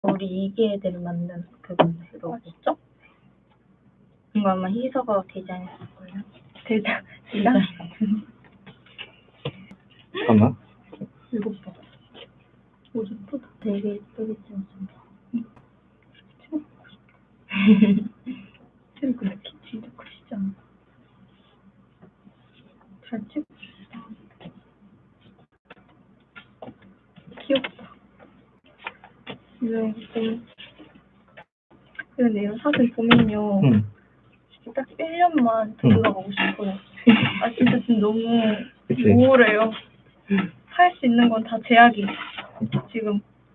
우리 이기 애들 만든 그건데 로고. 진짜? 이거 아마 희서가 디자인했을걸요? 디자인? 잠깐만. 이거 봐. 오, 예쁘다. 되게 예쁘게 찍었습니다. 쌤 근데 키 진짜 크시지 않아? 잘 찍었다. 귀엽다. 이런 것도. 근데 이런 사진 보면요. 딱 1년만 더 들어가고 싶어요. 아, 진짜 지금 너무 그치. 우울해요. 할 수 있는 건 다 제약이 지금.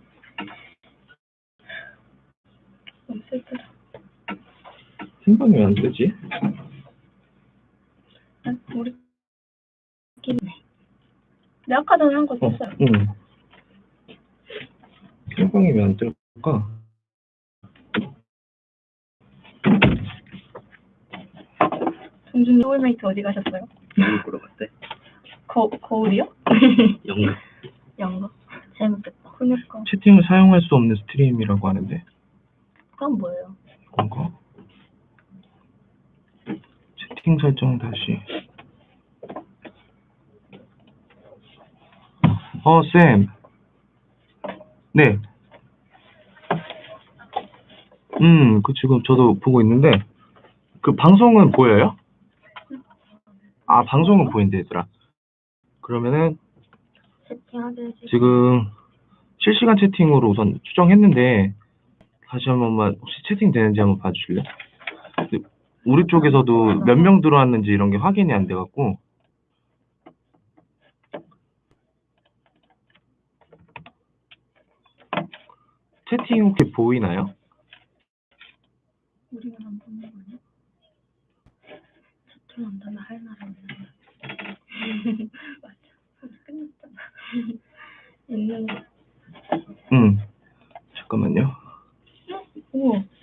너무 슬프다. 신방이 왜 안 되지? 아, 우리끼리. 내가 아까 전에 한 거 썼어요. 응. 신방이 왜 안 될까? 동준이 소울메이트 어디 가셨어요? 거울 보러 갔대. 거울이요? 연극. 연극? 재밌겠다. 그니까. 채팅을 사용할 수 없는 스트림이라고 하는데. 그건 뭐예요? 뭔가? 채팅 설정 다시. 쌤. 네. 그 지금 저도 보고 있는데, 그 방송은 보여요? 아, 방송은 보인대, 얘들아. 그러면은, 채팅하게 해주세요. 지금 실시간 채팅으로 우선 추정했는데, 다시 한 번만 혹시 채팅 되는지 한번 봐주실래요? 우리 쪽에서도 몇 명 들어왔는지 이런 게 확인이 안 돼갖고. 채팅 혹시 보이나요? 우리만 안 보는 거 아니야? 채팅한다면 할 나라 없는 거야. 맞아. 끝났잖아. 있는 거. 잠깐만요. 우와.